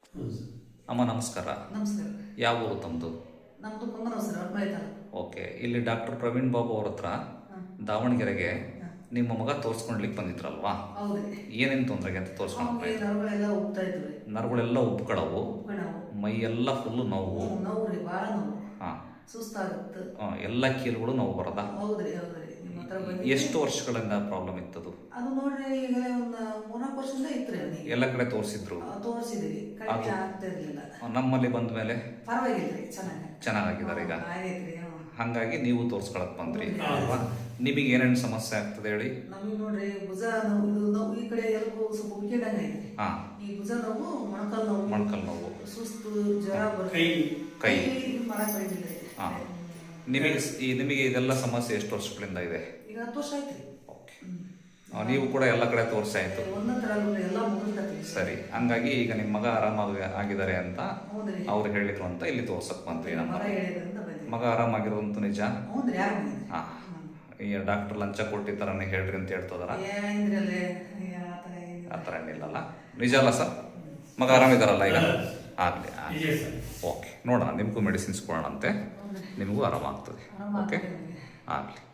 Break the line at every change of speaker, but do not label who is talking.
ಅಮ್ಮ ನಮಸ್ಕಾರ.
ನಮಸ್ಕಾರ.
ಯಾವ ಊರು ತಮ್ಮದು?
ನಮ್ಮದು ಕುಂದನವಸರ ಹೊರಮಳೆ ತಾಲೂಕು.
ಓಕೆ. ಇಲ್ಲಿ ಡಾಕ್ಟರ್ ಪ್ರವೀಣ್ ಬಾಬು ಅವ್ರ ಹತ್ರ ದಾವಣಗೆರೆಗೆ ನಿಮ್ಮ ಮಗ ತೋರಿಸ್ಕೊಳ್ಲಿಕ್ಕೆ ಬಂದಿದ್ರಲ್ವಾ?
ಹೌದ್ರಿ.
ಏನೇನು ತೊಂದರೆಗೆ ಅಂತ ತೋರಿಸ್ಕೊಂಡು
ನರಗಳೆಲ್ಲ ಉಬ್ತಾ ಇದ್ವಿ.
ನರಗಳೆಲ್ಲ ಉಬ್ಕೊಳ್ಳವು, ಮೈ ಎಲ್ಲ ಫುಲ್ಲು ನೋವು.
ನೋವು ರೀ, ಭಾಳ ನೋವು.
ಹಾಂ,
ಸುಸ್ತಾಗುತ್ತೆ.
ಎಲ್ಲ ಕೀಲುಗಳು ನೋವು ಬರೋದಾ?
ಹೌದ್ರಿ ಹೌದ್ರಿ. ನಿಮ್ಮ ಹತ್ರ ಬಂದು
ಎಷ್ಟು ವರ್ಷಗಳಿಂದ ಪ್ರಾಬ್ಲಮ್ ಇತ್ತದು?
ಅದು ನೋಡ್ರಿ ಈಗ ಒಂದು 3-4 ವರ್ಷದಿಂದ ಇತ್ತು ರೀ. ಅವನಿಗೆ
ಎಲ್ಲ ಕಡೆ ತೋರಿಸಿದ್ರು?
ತೋರಿಸಿದ್ವಿ, ಕಡಿಮೆ ಆಗ್ತಾ ಇರಲಿಲ್ಲ.
ನಮ್ಮಲ್ಲಿ ಬಂದ ಮೇಲೆ
ಪರವಾಗಿಲ್ರಿ,
ಚೆನ್ನಾಗಿದ್ದಾರೆ ಈಗ.
ಆಗೈತ್ರಿ.
ಹಾಗಾಗಿ ನೀವು ತೋರಿಸ್ಕೊಳಕ್ ಬಂದ್ರಿ ಅಲ್ವಾ? ನಿಮಗೆ ಏನೇನು ಸಮಸ್ಯೆ ಆಗ್ತದೆ ಹೇಳಿ?
ನಮಗೆ ನೋಡ್ರಿ ಭುಜ ನೋವು, ಇದು ನೋವು ಈ ಕಡೆ ಎಲ್ಬೋ ಸ್ವಲ್ಪ ಉಳ್ಕಿದಂಗೆ ಐತಿ.
ಹಾಂ,
ಈ ಭುಜ ನೋವು, ಮೊಣಕಾಲು ನೋವು, ಸುಸ್ತು, ಜ್ವರ ಬರುತ್ತೆ,
ಕೈ
ಮಾಡಕ್ ಬೈದಿಲ್ಲ.
ಹಾಂ. ನಿಮಗೆ ಇದೆಲ್ಲ ಸಮಸ್ಯೆ ಎಷ್ಟು ವರ್ಷಗಳಿಂದ ಇದೆ?
ಈಗ 10 ವರ್ಷ ಆಯ್ತು.
ಓಕೆ. ನೀವು ಕೂಡ ಎಲ್ಲ ಕಡೆ ತೋರಿಸಾಯ್ತು.
ಎಲ್ಲ ಮುಗಿಸ್ತೈತಿ.
ಸರಿ, ಹಂಗಾಗಿ ಈಗ ನಿಮ್ಮ ಮಗ ಆರಾಮಾಗಿ ಆಗಿದ್ದಾರೆ ಅಂತ ಅವ್ರು ಹೇಳಿದ್ರು ಅಂತ ಇಲ್ಲಿ ತೋರ್ಸಕ್ ಬಂದ್ರಿ. ನಮ್ಮ ಮಗ ಆರಾಮಾಗಿರೋದಂತೂ ನಿಜ? ಹಾಂ. ಈ ಡಾಕ್ಟರ್ ಲಂಚ ಕೊಟ್ಟಿದ್ದಾರನ್ನ ಹೇಳ್ರಿ ಅಂತ ಹೇಳ್ತದಾರ? ಆ ಥರ ಏನಿಲ್ಲಲ್ಲ, ನಿಜ ಅಲ್ಲ ಸರ್? ಮಗ ಆರಾಮಿದಾರಲ್ಲ ಈಗ? ಆಗಲಿ. ಓಕೆ, ನೋಡೋಣ, ನಿಮಗೂ ಮೆಡಿಸಿನ್ಸ್ ಕೊಡೋಣಂತೆ, ನಿಮಗೂ ಆರಾಮಾಗ್ತದೆ. ಓಕೆ, ಆಗಲಿ.